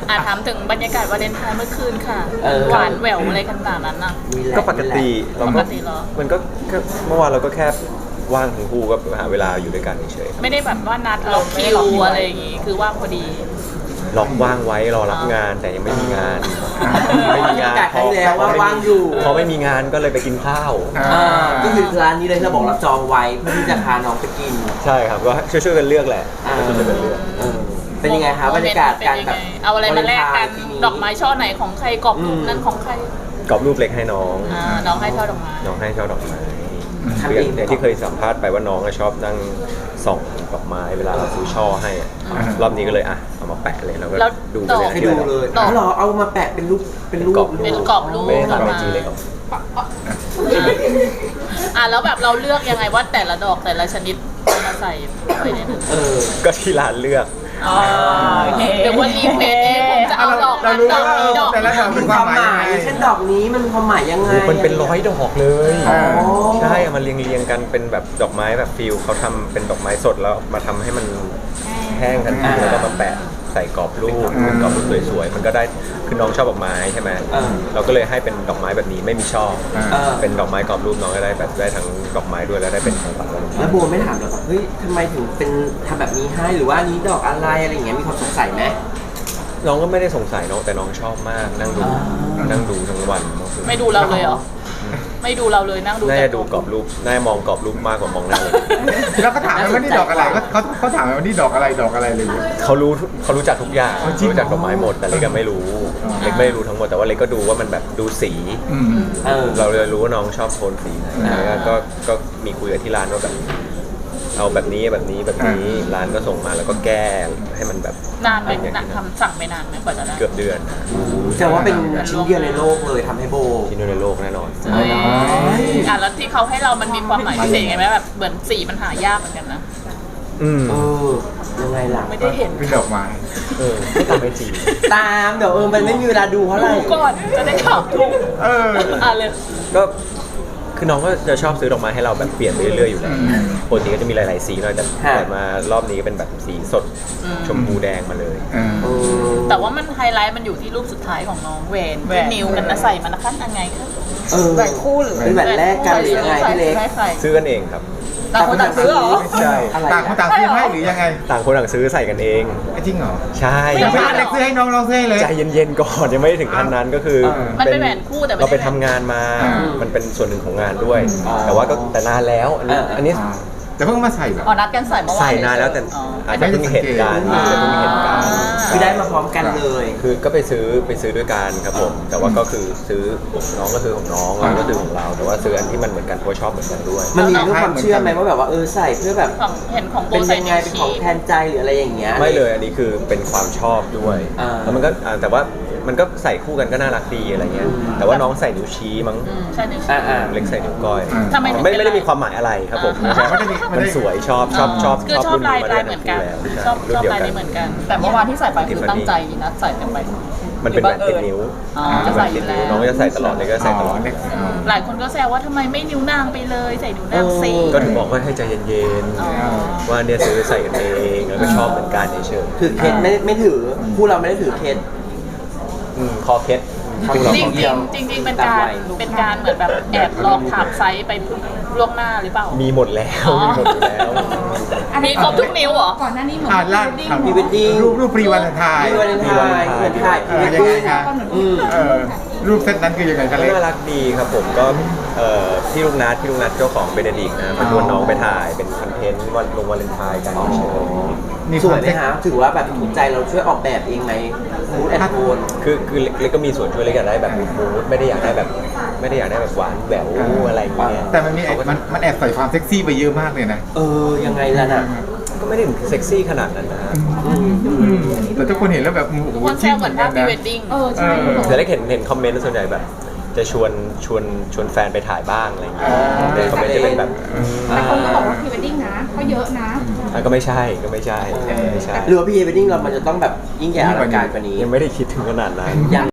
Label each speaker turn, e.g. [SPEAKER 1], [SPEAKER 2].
[SPEAKER 1] ถามถึงบรรยากาศวาเลนไทน์เมื่อคืนค่ะหวานแหววอะไรขนาดนั้นน่ะ
[SPEAKER 2] ก็ปกติเรา
[SPEAKER 1] ป
[SPEAKER 2] ก็
[SPEAKER 1] กติเหรอ
[SPEAKER 2] มันก็เมื่อวานเราก็แค่ว่างทั้งคู่ก็หาเวลาอยู่ด้วยกันเฉย
[SPEAKER 1] ไม่ได้แบบว่านัดล็อกคิวอะไรอย่างงี้คือว่างพอดี
[SPEAKER 2] ๆล็อกว่างไว้รอรับงานแต่ยังไม่มีงาน ไม่มีงาน
[SPEAKER 3] ครั้งแล้วว่าว่างอยู่
[SPEAKER 2] พอไม่มีงานก็เลยไปกินข้าว
[SPEAKER 3] ก็คือร้านนี้เลยที่เราบอกเราจองไว้เพื่อที่จะพาน้องไปกิน
[SPEAKER 2] ใช่ครับก็ช่วยๆกันเลือกแหละช่วยๆกันเลือก
[SPEAKER 3] เป็นยังไงคะบรรยากาศการแบบ
[SPEAKER 1] เอาอะไรมาแลกกันดอกไม้ช่อไหนของใครกรอบรูปนั้นของใคร
[SPEAKER 2] กรอบรูปเล็กให้น้อง
[SPEAKER 1] น้องให้ช่อดอกไม้
[SPEAKER 2] น้องให้ช่อดอกไม้คืออย่างที่เคยสัมภาษณ์ไปว่าน้องชอบนั่งส่องดอกไม้เวลาเราซื้อช่อให้รอบนี้ก็เลยเอามาแปะเลยแล้วก็ดูไปเลย
[SPEAKER 3] ให้ดูเลยเหรอเอามาแปะเป็นรูปเป็นกร
[SPEAKER 1] อบรูป
[SPEAKER 2] ไม่ได้ทำไอจีเลยครับ
[SPEAKER 1] แล้วแบบเราเลือกยังไงว่าแต่ละดอกแต่ละชนิดมาใส่ไปในนั้น
[SPEAKER 2] ก็ที่ร้านเลือก
[SPEAKER 1] เดี๋ยววันรีเควสเองผมจะเอาดอกนั้นดอกนี้ดอก
[SPEAKER 4] แต่ละดอก
[SPEAKER 3] มีความหมายเช่นดอกนี้มันมีความหมายยังไง
[SPEAKER 2] มันเป็น100 ดอกเลย
[SPEAKER 3] อ๋อ
[SPEAKER 2] ใช่เอามาเรียงกันเป็นแบบดอกไม้แบบฟิลเขาทำเป็นดอกไม้สดแล้วมาทำให้มันแห้งทันทีแล้วก็มาแปะใส่กรอบรูปเป็นกรอบรูปสวยๆมันก็ได้คือน้องชอบดอกไม้ใช่ไหมเราก็เลยให้เป็นดอกไม้แบบนี้ไม่มีช่อเป็นดอกไม้กรอบรูปน้องก็ได้แบบได้ทั้งดอกไม้ด้วยแล้วได้เป็นของขวัญวัน
[SPEAKER 3] แล้วโบไม่ถามหรอแบบเฮ้ยทำไมถึงเป็นทำแบบนี้ให้หรือว่านี้ดอกอะไรอะไรอย่างเงี้ยมีความสงสัยไหม
[SPEAKER 2] น้องก็ไม่ได้สงสัยน้องแต่น้องชอบมากนั่งดูทั้งวัน
[SPEAKER 1] ไม่ดูเราเลยเหรอไม่ดูเราเลยนั่งดู
[SPEAKER 2] น่าจะดูกรอบรูปน่าจะมองกรอบรูปมากกว่ามองหน้าเลย
[SPEAKER 4] แล้วก็ถามว่านี่ดอกอะไรเขาถามว่านี่ดอกอะไรเลย
[SPEAKER 2] เขารู้จักทุกอย่างรู้จักดอกไม้หมดแต่เล็กก็ไม่รู้เล็กไม่รู้ทั้งหมดแต่ว่าเล็กก็ดูว่ามันแบบดูสีเราเลยรู้ว่าน้องชอบโทนสีไหนแล้วก็มีคุยกับที่ร้านว่าแบบเอาแบบนี้ร้านก็ส่งมาแล้วก็แก้ให้มันแบบ
[SPEAKER 1] นานไหมทำสั่งไปนานไหมกว่าจะได้
[SPEAKER 2] เกือบเดือน
[SPEAKER 3] แต่ว่าเป็นชิ้นเดียวในโลกเลยทำให้โบ
[SPEAKER 2] ที่นู่นในโลกแน่นอน
[SPEAKER 1] แล้วที่เขาให้เรามันมีความหมายพิเศษไงไหมแบบเหมือนสีมันหายากเหมือนกันนะ
[SPEAKER 3] ยังไงล่ะ
[SPEAKER 1] ไม่ได้เห็น
[SPEAKER 4] เป็นดอกไม้
[SPEAKER 2] ไม่ตามไอจี
[SPEAKER 3] ตามเดี๋ยวมันไม่มีเวลาดูเพราะอะไร
[SPEAKER 1] ดูก่อนจะได้ถามถูกเลย
[SPEAKER 2] ก็คือน้องก็จะชอบซื้อดอกไม้ให้เราแบบเปลี่ยนไปเรื่อยๆอยู่แล้วปกติก็จะมีหลายๆสีหน่อยแต่มารอบนี้ก็เป็นแบบสีสดชมพูแดงมาเลย
[SPEAKER 1] แต่ว่ามันไฮไลท์มันอยู่ที่รูปสุดท้ายของน้องแหวนที่นิ้วกันนะใส่มันนะคะยังไงคะ
[SPEAKER 3] แหวนคู่หรือเป็นแหวนแรกกันหรือยังไงพี่เล็ก
[SPEAKER 2] ซื้อกันเองครับ
[SPEAKER 1] ต่างคนต่างซื้อเหรอ
[SPEAKER 2] ใช่
[SPEAKER 4] ต่างคนต่างซื้อให้หรือยังไง
[SPEAKER 2] ต่างคนต่างซื้อใส่กันเอง
[SPEAKER 4] จริงเหรอ
[SPEAKER 2] ใช่
[SPEAKER 4] ยังไม่ได้ซื้อให้น้องซื้อให้เลย
[SPEAKER 2] ใจเย็นๆก่อนยังไม่ถึงขั้นนั้นก็คือ
[SPEAKER 1] มันเป็นแหวนคู่แต่
[SPEAKER 2] เราไปทำงานมา มันเป็นส่วนหนึ่งของงานด้วย แต่ว่าก็แต่นานแล้วอันนี้
[SPEAKER 4] แต่เพิ่งมาใส่แบบ
[SPEAKER 1] นัดกันใส่เมื่อวาน
[SPEAKER 2] ใส่นานแล้วแต่อาจจะเพิ่งเห็นกัน
[SPEAKER 3] คือได้มาพร้อมกันเลย
[SPEAKER 2] คือก็ไปซื้อด้วยกันครับผมแต่ว่าก็คือซื้อน้องก็ซื้อของน้องเราก็ซื้อของเราแต่ว่าซื้ออันที่มันเหมือนกันเพราะชอบเหมือนกันด้วย
[SPEAKER 3] มันมีเรื่องความเชื่อไหมว่าแบบว่าใส่เพื่อแบบ
[SPEAKER 1] เห็นของโบ
[SPEAKER 3] เป็น
[SPEAKER 1] ใส่
[SPEAKER 3] ยังไงเป็นของแทนใจหรืออะไรอย่างเงี้ย
[SPEAKER 2] ไม่เลยอันนี้คือเป็นความชอบด้วยแล้วมันก็แต่ว่ามันก็ใส่คู่กันก็น่ารักดีอะไรเงี้ยแต่ว่าน้องใส่นิ้วชี้มั้ง
[SPEAKER 1] ใช่นิ้ว
[SPEAKER 2] เล็กใส่นิ้วก้อย
[SPEAKER 1] ทำไม
[SPEAKER 2] ไม่ได้มีความหมายอะไรครับผมมันสวยชอบ
[SPEAKER 1] คือชอบ
[SPEAKER 2] รุ่น
[SPEAKER 1] ลา
[SPEAKER 2] นี้
[SPEAKER 1] ย
[SPEAKER 2] มาได้
[SPEAKER 1] เหมื
[SPEAKER 2] ทั้
[SPEAKER 1] อง น
[SPEAKER 2] คู่
[SPEAKER 1] กัน
[SPEAKER 2] แล้ว
[SPEAKER 1] ชอบ
[SPEAKER 2] รุ่นเดียว
[SPEAKER 1] ลาย
[SPEAKER 2] กัน
[SPEAKER 1] นี้เหมือนกัน แต่เมื่อวานที่ใส่ไปคือตั้งใจนัดใส่กันไป
[SPEAKER 2] มันเป็นแหวนติดนิ้ว
[SPEAKER 1] จะใส่อยู่แล้ว
[SPEAKER 2] น้องก็จะใส่ตลอดเลยก็ใส่ตลอด
[SPEAKER 1] หลายคนก็แซวว่าทำไมไม่นิ้วนางไปเลยใส่นิ้วนางสิ
[SPEAKER 2] ก็ถึงบอกว่าให้ใจเย็นๆว่าเนี่ยซื้อใส่กันเองแล้วก็ชอบเหมือนกันเฉย
[SPEAKER 3] ถือเคสไม่ถือคู่เราไม่ได้ถือเคส
[SPEAKER 2] ๆคอเคส
[SPEAKER 1] จริงเป็นการเหมือนแบบแอบลองถามไซส์ไปล่วงหน้าหรือเปล่า
[SPEAKER 2] มีหมดแล้วมีหมดอยู่แล้ว
[SPEAKER 1] มีครบทุกนิ้วเหรอ
[SPEAKER 5] ก่อนหน้านี้เหมือน
[SPEAKER 4] ล่า
[SPEAKER 3] พรีเวดดิ้ง
[SPEAKER 4] รูปพรีวันไทย
[SPEAKER 3] พรีวันไทยเหมือนถ่ายพรีเวด
[SPEAKER 4] ยังไง
[SPEAKER 3] ดิ้ง
[SPEAKER 4] คะรูปเซตนั้นคือยังไงกันเลย
[SPEAKER 2] น่ารักดีครับผมก็พี่ลูกนัดเจ้าของเบเนดิกนะมาชวนน้องไปถ่ายเป็นคอนเทนต์วันลงวาเลนไทน์กันเฉย
[SPEAKER 3] สวยไหมฮะถือว่าแบบถูกใจเราช่วยออกแบบเองไหมมูดแอนโทน
[SPEAKER 2] คือเล็กก็มีส่วนช่วยเล็กอยากได้แบบมูดไม่ได้อยากได้แบบหวานแหววอะไรอย่างเงี้ย
[SPEAKER 4] แต่มันแอบใส่ความเซ็กซี่ไปเยอะมากเลยนะ
[SPEAKER 3] ยังไงล่ะน่ะ
[SPEAKER 2] ก็ไม่ได้ถึงเซ็กซี่ขนาดนั้นนะ
[SPEAKER 4] แต่ทุกคนเห็นแล้วแบบ
[SPEAKER 1] ทุกคนแซวเหมือนภาพพรีเวดดิ้ง
[SPEAKER 5] ใช่
[SPEAKER 2] แต่เล็กเห็นคอมเมนต์ส่วนใหญ่แบบจะชวนแฟนไปถ่ายบ้างอะไรอย่างเงี้ยในคอมเมนต์จะเป็นแบบ
[SPEAKER 5] แต่คนก็บอกว่าพรีเวดดิ้งนะก็เยอะนะ
[SPEAKER 2] ก็ไม่ใช่ไม่ใช่
[SPEAKER 3] หรือว่าพรีเวดดิ้งเรามันจะต้องแบบยิ่งใหญ่อลังการกว่านี้
[SPEAKER 2] ยังไม่ได้คิดถึงขนาดนั้น